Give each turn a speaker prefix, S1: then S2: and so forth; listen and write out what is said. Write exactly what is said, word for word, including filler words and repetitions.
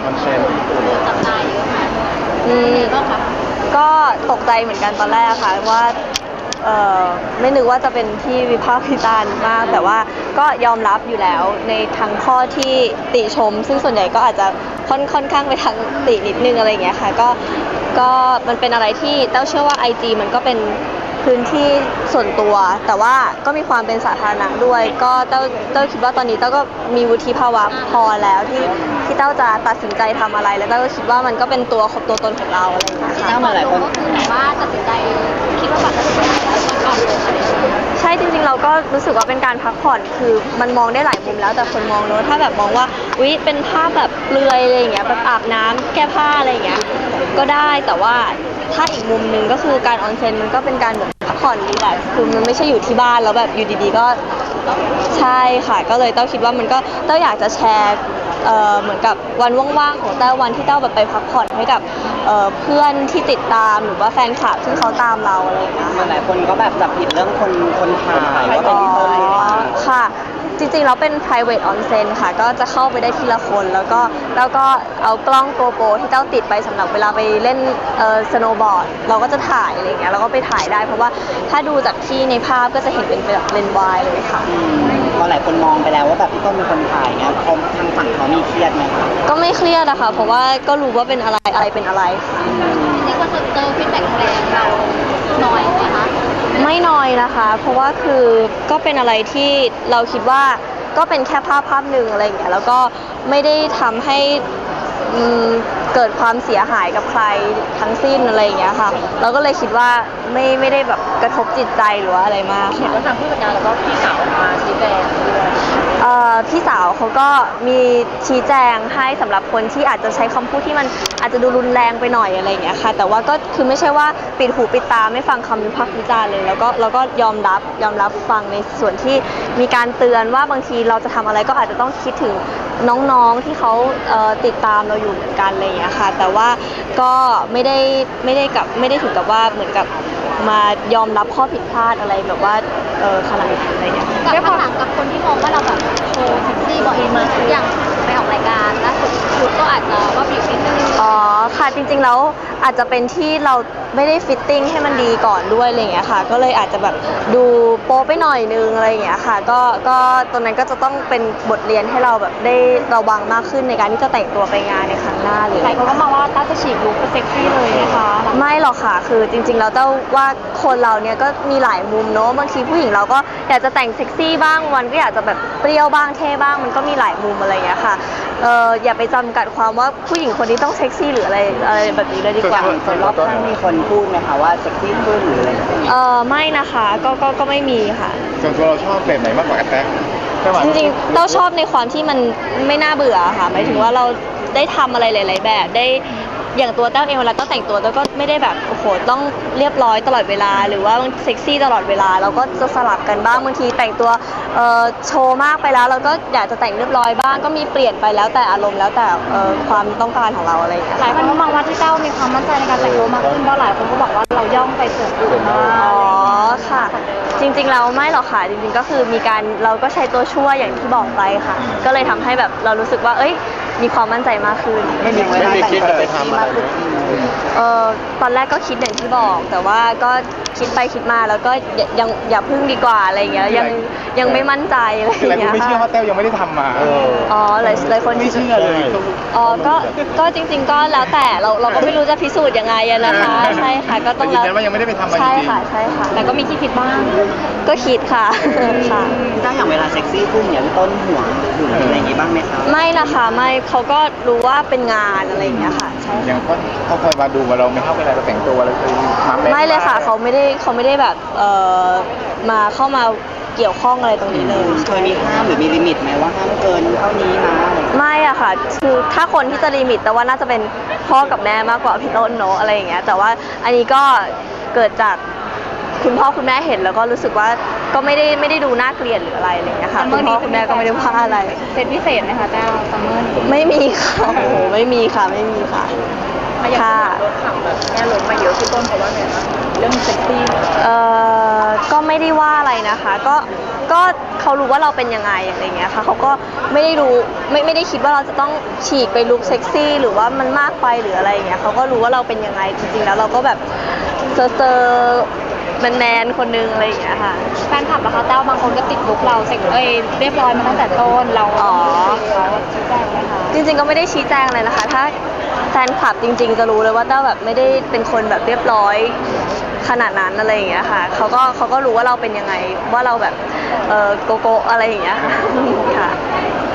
S1: อนเซนญี่ปุ่น
S2: จับตาเยอะค่ะ
S3: อืม
S2: ก็ค่ะ
S3: ก็ตกใจเหมือนกันตอนแรกค่ะว่าเออไม่นึกว่าจะเป็นที่วิพากษ์วิจารณ์มากแต่ว่าก็ยอมรับอยู่แล้วในทั้งข้อที่ติชมซึ่งส่วนใหญ่ก็อาจจะค่อนค่อนข้างไปทางตินิดนึงอะไรอย่างเงี้ยค่ะก็ก็มันเป็นอะไรที่เต้าเชื่อว่า ไอ จี มันก็เป็นพื้นที่ส่วนตัวแต่ว่าก็มีความเป็นสาธารณะด้วยก็เต้าเต้าคิดว่าตอนนี้เต้าก็มีวุฒิภาวะพอแล้วที่ที่เต้าจะตัดสินใจทำอะไรแล้วเต้าก็คิดว่ามันก็เป็นตัวของตัวตนของเราอะไรอย่างเงี้ยค่ะ
S2: ถ้ามาหลายคนก็คือแบบว่าตัดสินใจคิดว่าแบบตัดสินใจแล้วก่อนลงอะไรอย่างเงี้ย
S3: ใช่จริงๆเราก็รู้สึกว่าเป็นการพักผ่อนคือมันมองได้หลายมุมแล้วแต่คนมองเนอะถ้าแบบมองว่าอุ๊ยเป็นภาพแบบเปลือยอะไรอย่างเงี้ยแบบอาบน้ำแก้ผ้าอะไรอย่างเงี้ยก็ได้แต่ว่าถ้าอีกมุมหนึ่งก็คือการออนเซ็นมันก็เป็นการแบบพักผ่อนรีแลกซ์คือมันไม่ใช่อยู่ที่บ้านแล้วแบบอยู่ดีๆก็ใช่ค่ะก็เลยเต้าคิดว่ามันก็เต้าอยากจะแชร์เอ่อเหมือนกับวันว่างๆของเต้าวันที่เต้าแบบไปพักผ่อนให้กับเอ่อเพื่อนที่ติดตามหรือว่าแฟนคลับที่เขาตามเราอะไรอย่างเงี้ย
S4: หลายคนก็แบบจับผิดเรื่องคนคนถ่ายว่าเป็นพี่เต้ย
S3: ค่ะจริงๆแล้วเป็น private onsen ค่ะก็จะเข้าไปได้ทีละคนแล้วก็แล้วก็เอากล้องโกโปรที่เต้าติดไปสำหรับเวลาไปเล่นเอ่อสโนว์บอร์ดเราก็จะถ่ายอะไรอย่างเงี้ยเราก็ไปถ่ายได้เพราะว่าถ้าดูจากที่ในภาพก็จะเห็นเป็นแบบเลนส์วายเลยค่ะ
S4: พอหลายคนมองไปแล้วว่าแบบพี่ต้นเป็นคนถ่ายเงี้ยเขาทางฝั่งเขามีเครียดไหมคะ
S3: ก็ไม่เครียดอะค่ะเพราะว่าก็รู้ว่าเป็นอะไรอะไรเป็นอะไรค่ะ
S2: นี่ก็คือเจอฟีดแบ็กแรงเราน้อยไหมคะ
S3: ไม่น้อยนะคะเพราะว่าคือก็เป็นอะไรที่เราคิดว่าก็เป็นแค่ภาพภาพหนึ่งอะไรอย่างเงี้ยแล้วก็ไม่ได้ทำให้เกิดความเสียหายกับใครทั้งสิ้นอะไรอย่างเงี้ยค่ะเราก็เลยคิดว่าไม่ไม่ได้แบบกระทบจิตใจหรือว่าอะไรมาก
S2: เห็นว่าทางผู้จัดการแล้วก็พี่สาวออกมาชี้แจงด้วย
S3: พี่สาวเขาก็มีชี้แจงให้สำหรับคนที่อาจจะใช้คำพูดที่มันอาจจะดูรุนแรงไปหน่อยอะไรอย่างเงี้ยค่ะแต่ว่าก็คือไม่ใช่ว่าปิดหูปิดตาไม่ฟังคำวิพากษ์วิจารณ์เลยแล้วก็เราก็ยอมรับยอมรับฟังในส่วนที่มีการเตือนว่าบางทีเราจะทำอะไรก็อาจจะต้องคิดถึงน้องๆที่เขาติดตามเราอยู่เหมือนกันอะไรอย่างเงี้ยค่ะแต่ว่าก็ไม่ได้ไม่ได้กับไม่ได้ถึงกับว่าเหมือนกับมายอมรับข้อผิดพลาดอะไรแบบว่าเออขนาดนั้นอะไรอย่างเงี้ย
S2: กับคำถามกับคนที่มองว่าเราแบบโชว์เซ็กซี่บ่อยมาทุกอย่างไปออกรายการล่าสุดชุดก็อาจจะว่าผิวนิดนึง
S3: อ๋อค่ะจริงๆแล้วอาจจะเป็นที่เราไม่ได้ฟิตติ้งให้มันดีก่อนด้วยอะไรอย่างเงี้ยค่ะก็เลยอาจจะแบบดูโป๊ไปหน่อยนึงอะไรอย่างเงี้ยค่ะก็ก็ตรงนั้นก็จะต้องเป็นบทเรียนให้เราแบบได้ระวังมากขึ้นในการที่จะแต่งตัวไปงานในครั้งหน้าเลย
S2: หลายคนก็มองว่าต้าจะฉีกลุคเป็นเซ็กซี่เลยนะคะ
S3: ไม่หรอกค่ะคือจริงๆแล้วเต้าว่าคนเราเนี่ยก็มีหลายมุมเนอะบางทีผู้หญิงเราก็อยากจะแต่งเซ็กซี่บ้างวันก็อยากจะแบบเปรี้ยวบ้างเท่บ้างมันก็มีหลายมุมอะไรอย่างเงี้ยค่ะเอออย่าไปจำกัดความว่าผู้หญิงคนนี้ต้องเซ็กซี่หรืออะไรอะไรแบบนี้เลยดีกว่า
S4: คนรอบข้างมีคนพูดไหมคะว่าเซ็กซี่ขึ้นหรืออะไร
S3: เออไม่นะคะก็ก็ก็ไม่มีค่ะ
S1: ส่วนตัวเราชอบแบบไหนมากกว่าแอปแท็ก
S3: จริงๆเราชอบในความที่มันไม่น่าเบื่อค่ะหมายถึงว่าเราได้ทำอะไรหลายๆแบบได้อย่างตัวเต้าเองเวลาเต้าแต่งตัวเต้าก็ไม่ได้แบบโอ้โหต้องเรียบร้อยตลอดเวลาหรือว่าเซ็กซี่ตลอดเวลาเราก็จะสลับกันบ้างบางทีแต่งตัวเอ่อโชว์มากไปแล้วเราก็อยากจะแต่งเรียบร้อยบ้างก็มีเปลี่ยนไปแล้วแต่อารมณ์แล้วแต่เอ่อความต้องการของเราอะไรอย่างเงี้ย
S2: หลายคนก็มองว่าที่เต้ามีความมั่นใจในการแต่งตัวมากขึ้นเพราะหลายคนก็บอกว่าเราย่องไปส่วนอื่นมาก
S3: อ๋อค่ะจริงๆเราไม่หรอกค่ะจริงๆก็คือมีการเราก็ใช้ตัวช่วยอย่างที่บอกไปค่ะก็เลยทำให้แบบเรารู้สึกว่าเอ้ยมีความมั่นใจมากขึ้น
S1: ไม่มีไม่มีคิดอะไรทำอะไร
S3: เออตอนแรกก็คิดอย่างที่บอกแต่ว่าก็คิดไปคิดมาแล้วก็ยังอย่าพึ่งดีกว่าอะไรอย่างเงี้ยยังยังไม่มั่นใจอะไรอย่างเงี้ย
S1: ไม่เชื่อว่าเต้ายังไม่ได้ทำมา
S3: อ๋อหลายหลายคน
S1: ไม่เชื่อเลย
S3: อ๋อก็ก็จริงๆก็แล้วแต่เราเราก็ไม่รู้จะพิสูจน์ยังไงนะคะใช่ค่ะก็ต้อง
S1: แล้วว่ายังไม่ได้ไปทำมาจริง
S3: ใช่ค่ะใช่ค่ะ
S2: แต่ก็มีที่คิดบ้าง
S3: ก็คิดค่ะค่ะ
S4: ถ้าอย่างเวลาเซ็กซี่พุ่งอย่างต้นห่วงหึงอะไรอย่างงี้บ้างไหมคะ
S3: ไม่นะคะไม่เขาก็รู้ว่าเป็นงานอะไรอย่างเงี้ยค่ะใช่
S1: อย่างเขาเขาเคยมาดูว่าเราไม่เข้าเวลาเราแต่งตัวอะไรคือ
S3: ไม่เลยค่ะเขาไม่ได้เขาไม่ได้แบบเอ่อมาเข้ามาเกี่ยวข้องอะไรตรงนี้เลย
S4: เคยมีห้ามหรือมีลิมิตไหมว่าห้ามเกินเท่านี้นะ
S3: ไม่อะค่ะคือถ้าคนที่จะลิมิตแต่ว่าน่าจะเป็นพ่อกับแม่มากกว่าพี่ต้นเนาะอะไรอย่างเงี้ยแต่ว่าอันนี้ก็เกิดจากคุณพ่อคุณแม่เห็นแล้วก็รู้สึกว่าก็ไม่ได้ไม่ได้ดูน่าเกลียดหรืออะไรอะไรอย่างเงี้ยค่ะคุณพ่อคุณแม่ก็ไม่ได้ว่าอะไร
S2: เป็นพิเศษไหมคะแต้วซัมเมอร์
S3: ไม่มีค่ะโอ้โหไม่มีค่ะไม่มีค่ะ
S2: ค่ะรถขับแบบแม่รถมาเยอะพี่ต้นเพราะว่าไงคะเรื่องเซ็กซี่
S3: เอ่อก็ไม่ได้ว่าอะไรนะคะก็ก็เขารู้ว่าเราเป็นยังไงอะไรเงี้ยค่ะเขาก็ไม่ได้รู้ไม่ไม่ได้คิดว่าเราจะต้องฉีกไปลุคเซ็กซี่หรือว่ามันมากไปหรืออะไรอย่างเงี้ยเขาก็รู้ว่าเราเป็นยังไงจริงๆแล้วเราก็แบบเซอร์เซอร์แมนๆคนนึงอะไรอย่างเงี้ยค่ะ
S2: แฟนคลับนะคะเต้าบางคนก็ติดลุกเราเสร็จเอ้ยเรียบร้อยมาตั้งแต่ต้นเรา
S3: อ๋อ
S2: เขาชี้แจงไหมคะ
S3: จริงๆก็ไม่ได้ชี้แจงอะไรนะคะ ถ้าแฟนคลับจริง ๆ จะรู้เลยว่าเต้าแบบไม่ได้เป็นคนแบบเรียบร้อยขนาดนั้นอะไรอย่างเงี้ยค่ะเขาก็เขาก็รู้ว่าเราเป็นยังไงว่าเราแบบเออโกโก้อะไรอย่างเงี้ยค่ะค่ะ